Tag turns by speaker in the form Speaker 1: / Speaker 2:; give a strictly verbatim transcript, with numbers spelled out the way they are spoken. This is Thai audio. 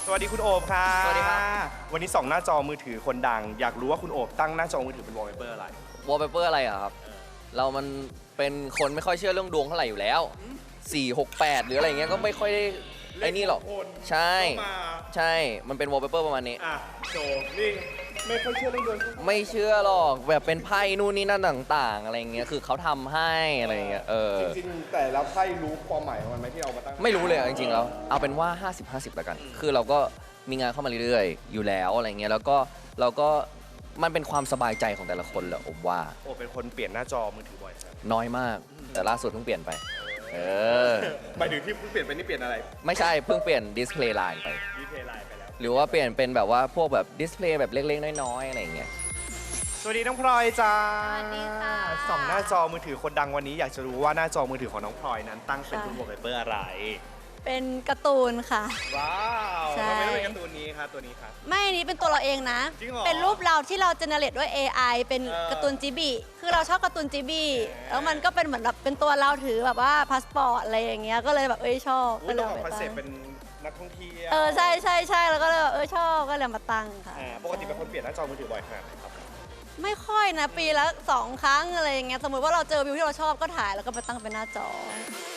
Speaker 1: สวัสดีคุณโอบค่ะ
Speaker 2: สวัสดีครับ
Speaker 1: วันนี้ส่องหน้าจอมือถือคนดังอยากรู้ว่าคุณโอบตั้งหน้าจอมือถือเป็นวอลเปเปอร์อะไร
Speaker 2: วอลเปเปอร์อะไรอะครับ เรามันเป็นคนไม่ค่อยเชื่อเรื่องดวงเท่าไหร่อยู่แล้วสี่หกแปดหรืออะไรเงี้ยก็ไม่ค่อยได้ไอ้นี่หรอกใช่ใช่มันเป็นวอลเปเปอร์ประมาณนี้
Speaker 1: อ่ะโจนี่ไม่ค่อยเชื่อเรื่องดวง
Speaker 2: ไม่เชื่อหรอกแบบเป็นไพ่นู่นนี่นั่นต่างๆอะไรเงี้ยคือเขาทำให้อะไรเงี้ยเออ
Speaker 1: จริงๆแต่แล้วไพ่รู้ความหมายของมันไหมที่เอามาตั้ง
Speaker 2: ไม่รู้เลยจริงๆแล้วเอาเป็นว่าห้าสิบ ห้าสิบแล้วกันคือเราก็มีงานเข้ามาเรื่อยๆอยู่แล้วอะไรเงี้ยแล้วก็เราก็มันเป็นความสบายใจของแต่ละคนแหละผมว่า
Speaker 1: โอ้เป็นคนเปลี่ยนหน้าจอมือถือบ่อยครับ
Speaker 2: น้อยมากแต่ล่าสุดเพิ่งเปลี่ยนไปเออ
Speaker 1: หมายถึงที่เพิ่งเปลี่ยนไปนี่เปลี่ยนอะไร
Speaker 2: ไม่ใช่เพิ่งเปลี่ยนดิสเพลย์ไลน์ไป
Speaker 1: ดิสเพลย์ไลน์ไปแล้ว
Speaker 2: หรือว่าเปลี่ยนเป็นแบบว่าพวกแบบดิสเพลย์แบบเล็กๆน้อยๆอะไรอย่างเงี้ย
Speaker 1: สวัสดีน้องพลอยจ้า
Speaker 3: สวัสดีค่ะ
Speaker 1: ส่องหน้าจอมือถือคนดังวันนี้อยากจะรู้ว่าหน้าจอมือถือของน้องพลอยนั้นตั้งเป็นวอลเปเปอร์อะไร
Speaker 3: เป็นการ์ตูนค่ะ
Speaker 1: ว้าว
Speaker 3: ใช่
Speaker 1: ทำไมต้องเป็นการ์ตูนนี้คะตัวนี้คะ
Speaker 3: ไม่อันนี้เป็นตัวเราเองนะ
Speaker 1: จริงเหรอ
Speaker 3: เป็นรูปเราที่เราเจเนเรตด้วย เอ ไอ เป็น
Speaker 1: เออ
Speaker 3: การ์ตูนจิบิคือเราชอบการ์ตูนจิบิแล้วมันก็เป็นเหมือนแบบเป็นตัวเราถือแบบว่าพาสปอร์ตอะไรอย่างเงี้ยก็เลยแบบเอ้ยชอบ
Speaker 1: อุ้
Speaker 3: ก็
Speaker 1: ย
Speaker 3: เล
Speaker 1: ต้อย งอ
Speaker 3: เอา
Speaker 1: อก
Speaker 3: ไป
Speaker 1: คอนเซ็ป
Speaker 3: ตั้ง
Speaker 1: ต์เป็นนักท่องเที่ยว
Speaker 3: เออใช่ใช่ใช่แล้วก็เลยแบบเออชอบก็เลยเอามาตั้งค่ะ
Speaker 1: อ่าปกติเป็นคนเปลี่ยนหน้าจอมือถือบ่อยขนาดไหนครับ
Speaker 3: ไม่ค่อยนะปีละสองครั้งอะไรอย่างเงี้ยสมมติว่าเราเจอวิวที่เราชอบก็ถ่ายแล้วก็ไปตั้งเป็นหน้าจอ